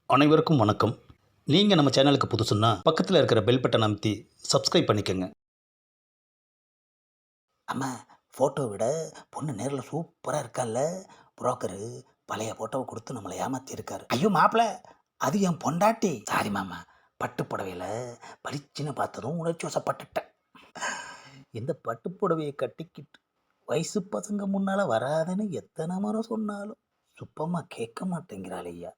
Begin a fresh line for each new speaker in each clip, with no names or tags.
அனைவருக்கும் வணக்கம். நீங்கள் நம்ம சேனலுக்கு புதுசுன்னா பக்கத்தில் இருக்கிற பெல் பட்டனை அமைத்தி சப்ஸ்கிரைப் பண்ணிக்கோங்க.
அம்மா, ஃபோட்டோ விட பொண்ணு நேரில் சூப்பராக இருக்கால்ல. புரோக்கரு பழைய ஃபோட்டோவை கொடுத்து நம்மளை ஏமாற்றிருக்காரு. ஐயோ மாப்பிள்ள, அது என் பொண்டாட்டி. சாரி மாமா, பட்டு புடவையில் பளிச்சுன்னு பார்த்ததும் உணர்ச்சி வசப்பட்டுட்டேன். இந்த பட்டு புடவையை கட்டிக்கிட்டு வயசு பசங்க முன்னால் வராதுன்னு எத்தனை முறை சொன்னாலும் சுப்பமாக கேட்க மாட்டேங்கிறாள் ஐயா.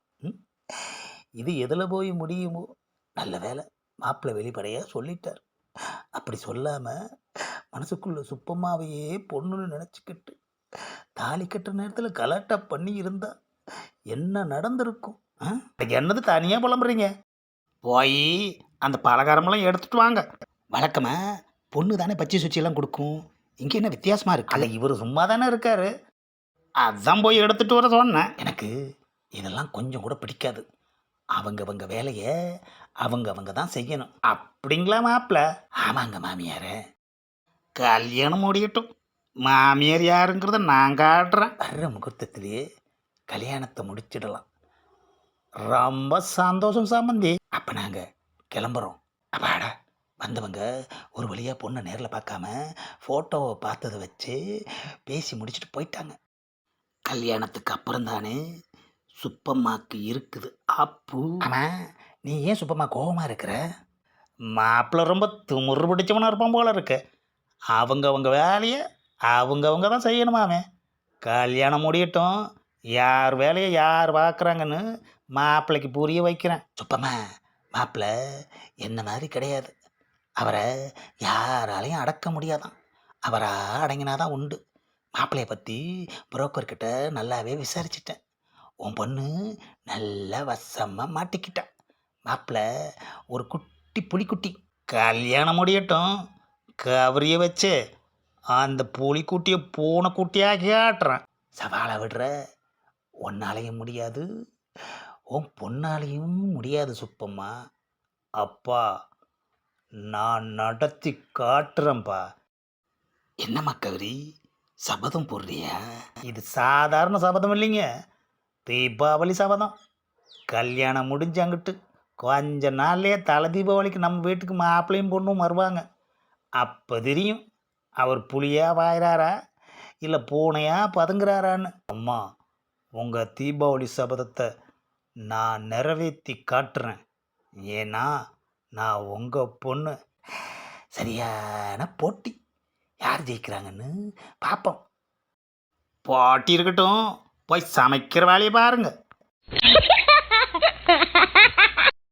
இது எதில் போய் முடியுமோ? நல்ல வேலை, மாப்பிள்ளை வெளிப்படையாக சொல்லிட்டார். அப்படி சொல்லாமல் மனசுக்குள்ள சுப்பம்மாவையே பொண்ணுன்னு நினச்சிக்கிட்டு தாலி கட்டுற நேரத்தில் கலாட்டா பண்ணி இருந்தா என்ன நடந்திருக்கும்? என்னது தனியாக புலம்புறீங்க? போய் அந்த பலகாரமெல்லாம் எடுத்துட்டு வாங்க. வழக்கமாக பொண்ணு தானே பச்சை சுச்சியெல்லாம் கொடுக்கும், இங்கே என்ன வித்தியாசமாக இருக்கு? அல்ல, இவர் சும்மா தானே இருக்காரு, அதான் போய் எடுத்துட்டு வர சொன்னேன். எனக்கு இதெல்லாம் கொஞ்சம் கூட பிடிக்காது. அவங்க வேலையை அவங்க தான் செய்யணும். அப்படிங்களா மாப்பிள்ள? ஆமாங்க மாமியார். கல்யாணம் முடியட்டும், மாமியார் யாருங்கிறத நான் காட்டுறேன். வர்ற முகூர்த்தத்திலேயே கல்யாணத்தை முடிச்சிடலாம். ரொம்ப சந்தோஷம் சம்பந்தி. அப்போ நாங்கள் கிளம்புறோம். அப்பாடா, வந்தவங்க ஒரு வழியாக பொண்ணை நேரில் பார்க்காம ஃபோட்டோவை பார்த்ததை வச்சு பேசி முடிச்சுட்டு போயிட்டாங்க. கல்யாணத்துக்கு அப்புறம் தானே சுப்பம்மாக்கு இருக்குது அப்பு. ஆமாம், நீ ஏன் சுப்பம்மா கோபமாக இருக்கிற? மாப்பிள்ளை ரொம்ப துமுறு பிடிச்சவனாக இருப்பான் போல இருக்கு. அவங்க வேலையை அவங்க தான் செய்யணுமாமே. கல்யாணம் முடியட்டும், யார் வேலையை யார் பார்க்குறாங்கன்னு மாப்பிள்ளைக்கு புரிய வைக்கிறேன். சுப்பம்மா, மாப்பிள்ளை என்ன மாதிரி கிடையாது. அவரை யாராலையும் அடக்க முடியாதான். அவராக அடங்கினாதான் உண்டு. மாப்பிள்ளையை பற்றி புரோக்கர்கிட்ட நல்லாவே விசாரிச்சிட்டேன். உன் பொண்ணு நல்லா வசமாக மாட்டிக்கிட்டான். மாப்பிள்ளை ஒரு குட்டி புலிக்குட்டி. கல்யாணம் முடியட்டும், கவரிய வச்சு அந்த புலிக்குட்டியை பூனைக்குட்டியாக காட்டுறேன். சவாலை விடுற, உன்னாலையும் முடியாது, உன் பொண்ணாலையும் முடியாது சுப்பம்மா. அப்பா, நான் நடத்தி காட்டுறேன்ப்பா. என்னம்மா கவரி, சபதம் போடுறியா? இது சாதாரண சபதம் இல்லைங்க, தீபாவளி சபதம். கல்யாணம் முடிஞ்சாங்கிட்டு கொஞ்ச நாள்லேயே தலை தீபாவளிக்கு நம்ம வீட்டுக்கு மாப்பிள்ளையும் பொண்ணும் வருவாங்க. அப்போ தெரியும் அவர் புலியாக வாயிறாரா இல்லை பூனையாக பதுங்குறாரான்னு. அம்மா, உங்கள் தீபாவளி சபதத்தை நான் நிறைவேற்றி காட்டுறேன். ஏன்னா நான் உங்கள் பொண்ணு. சரியான போட்டி, யார் ஜெயிக்கிறாங்கன்னு பார்ப்போம். போட்டி இருக்கட்டும், போய் சமைக்கிற வேலையை பாருங்கள்.